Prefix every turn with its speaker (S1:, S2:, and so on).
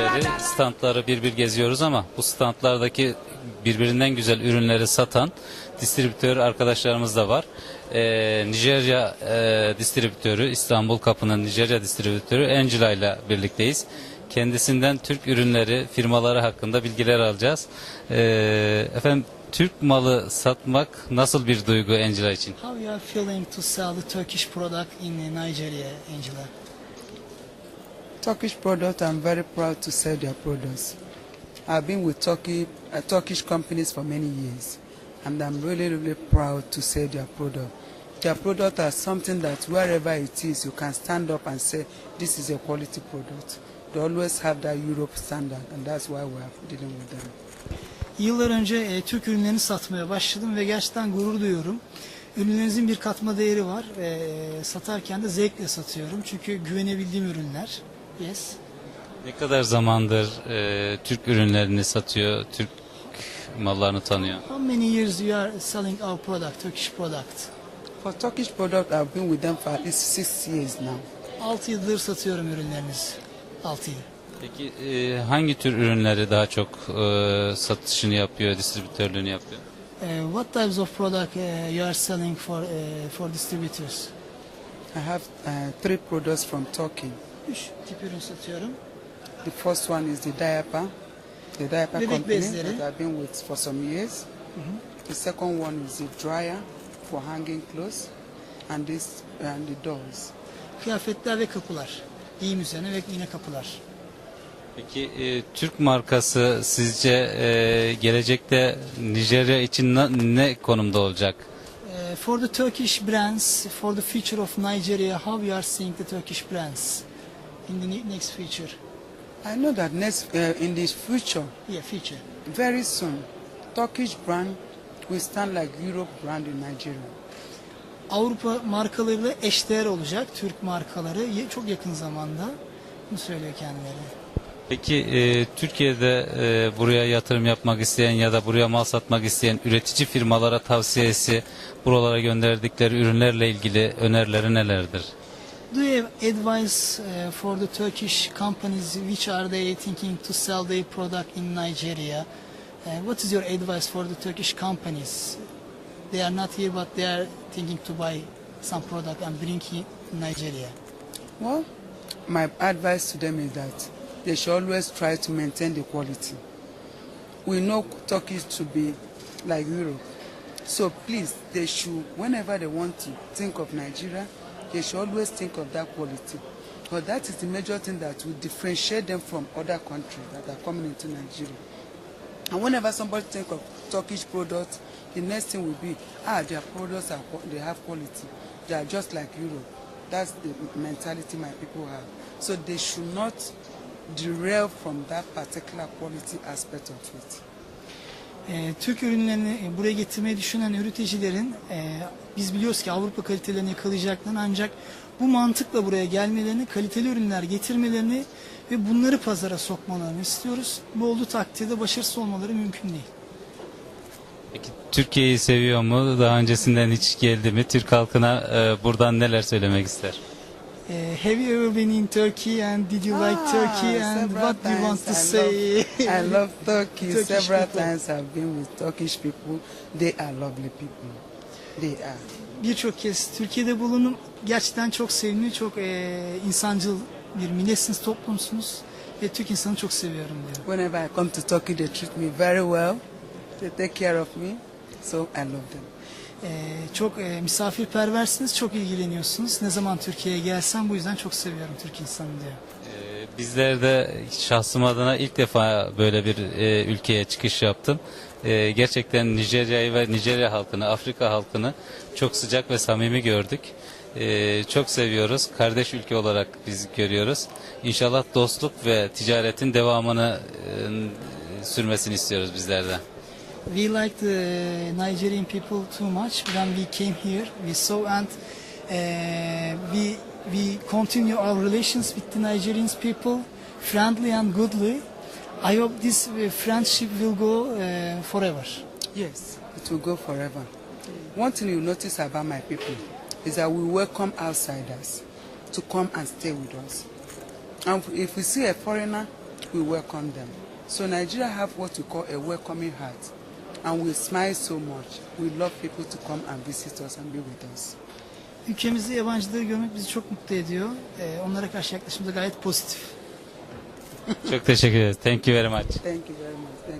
S1: beri standları bir geziyoruz ama bu standlardaki birbirinden güzel ürünleri satan distribütör arkadaşlarımız da var. Nijerya distribütörü, İstanbul Kapı'nın Nijerya distribütörü Angela ile birlikteyiz. Kendisinden Türk ürünleri, firmaları hakkında bilgiler alacağız. Efendim, Türk malı satmak nasıl bir duygu Angela için?
S2: How you are feeling to sell the Turkish product in Nigeria, Angela?
S3: Turkish product, I'm very proud to sell their products. I've been with Turkish companies for many years, and I'm really proud to sell their product. Their product are something that wherever it is, you can stand up and say, this is a quality product. They always have that Europe standard, and that's why we are dealing with them.
S2: Yıllar önce Türk ürünlerini satmaya başladım ve gerçekten gurur duyuyorum. Ürünlerinizin bir katma değeri var ve satarken de zevkle satıyorum. Çünkü güvenebildiğim ürünler. Yes.
S1: Ne kadar zamandır Türk ürünlerini satıyor, Türk mallarını tanıyor?
S2: How many years you are selling our product, Turkish product?
S3: For Turkish product, I've been with them for at least 6 years now.
S2: 6 yıldır satıyorum ürünlerinizi. 6 yıl.
S1: Peki hangi tür ürünleri daha çok satışını yapıyor, distribütörlüğünü yapıyor?
S2: What types of product you are selling for distributors?
S3: I have 3 products from Turkey.
S2: 3 tip ürün satıyorum.
S3: The first one is the diaper
S2: Bebek
S3: company
S2: bezleri.
S3: that I've been with for some years. The second one is the dryer for hanging clothes, and the doors.
S2: Kıyafetler ve kapılar. Giyim üzerine ve yine kapılar.
S1: Peki Türk markası sizce gelecekte Nijerya için ne konumda olacak?
S2: For the Turkish brands, for the future of Nigeria, how you are seeing the Turkish brands in the next future?
S3: I know that in the future,
S2: Yeah, future.
S3: very soon, Turkish brand will stand like Europe brand in Nigeria.
S2: Avrupa markalarıyla eşdeğer olacak Türk markaları çok yakın zamanda. Bunu söylüyor kendileri.
S1: Peki Türkiye'de buraya yatırım yapmak isteyen ya da buraya mal satmak isteyen üretici firmalara tavsiyesi, buralara gönderdikleri ürünlerle ilgili önerileri nelerdir?
S2: Do you have advice for the Turkish companies which are they thinking to sell their product in Nigeria? What is your advice for the Turkish companies? They are not here but they are thinking to buy some product and bring it in Nigeria.
S3: Well, my advice to them is that they should always try to maintain the quality. We know Turkey to be like Europe. So please, they should, whenever they want to think of Nigeria, they should always think of that quality. Because that is the major thing that will differentiate them from other countries that are coming into Nigeria. And whenever somebody think of Turkish products, the next thing will be, their products they have quality. They are just like Europe. That's the mentality my people have. So they should not derail from that particular quality aspect of it.
S2: Türk ürünlerini buraya getirmeyi düşünen üreticilerin biz biliyoruz ki Avrupa kalitelerini yakalayacaklarını, ancak bu mantıkla buraya gelmelerini, kaliteli ürünler getirmelerini ve bunları pazara sokmalarını istiyoruz. Bu olduğu takdirde başarısız olmaları mümkün değil.
S1: Peki Türkiye'yi seviyor mu? Daha öncesinden hiç geldi mi? Türk halkına buradan neler söylemek ister?
S2: Have you ever been in Turkey and did you like Turkey and what do you want to say?
S3: I love Turkey.
S2: Turkish
S3: Several
S2: people.
S3: times I've been with Turkish people. They are lovely people. They are.
S2: Birçok kez Türkiye'de bulundum. Gerçekten çok sevimli, çok insancıl bir milletsiniz, toplumsunuz ve Türk insanı çok seviyorum diyor.
S3: Whenever I come to Turkey, they treat me very well. They take care of me. So I love them.
S2: Çok misafirperversiniz, çok ilgileniyorsunuz. Ne zaman Türkiye'ye gelsem bu yüzden çok seviyorum Türk insanı diyor.
S1: Bizler de şahsım adına ilk defa böyle bir ülkeye çıkış yaptım. Gerçekten Nijerya'yı ve Nijerya halkını, Afrika halkını çok sıcak ve samimi gördük. Çok seviyoruz. Kardeş ülke olarak biz görüyoruz. İnşallah dostluk ve ticaretin devamını sürmesini istiyoruz bizler de.
S2: We like the Nigerian people too much. When we came here, we saw and we continue our relations with the Nigerian people, friendly and goodly. I hope this friendship will go forever.
S3: Yes, it will go forever. One thing you notice about my people is that we welcome outsiders to come and stay with us. And if we see a foreigner we welcome them. So Nigeria have what we call a welcoming heart, and we smile so much. We love people to come and visit us and be with us.
S2: Ülkemizde yabancıları görmek bizi çok mutlu ediyor. Onlara karşı yaklaşımımız da gayet pozitif.
S1: Çok teşekkür ederiz. Thank you very much.
S3: Thank you very much. Thank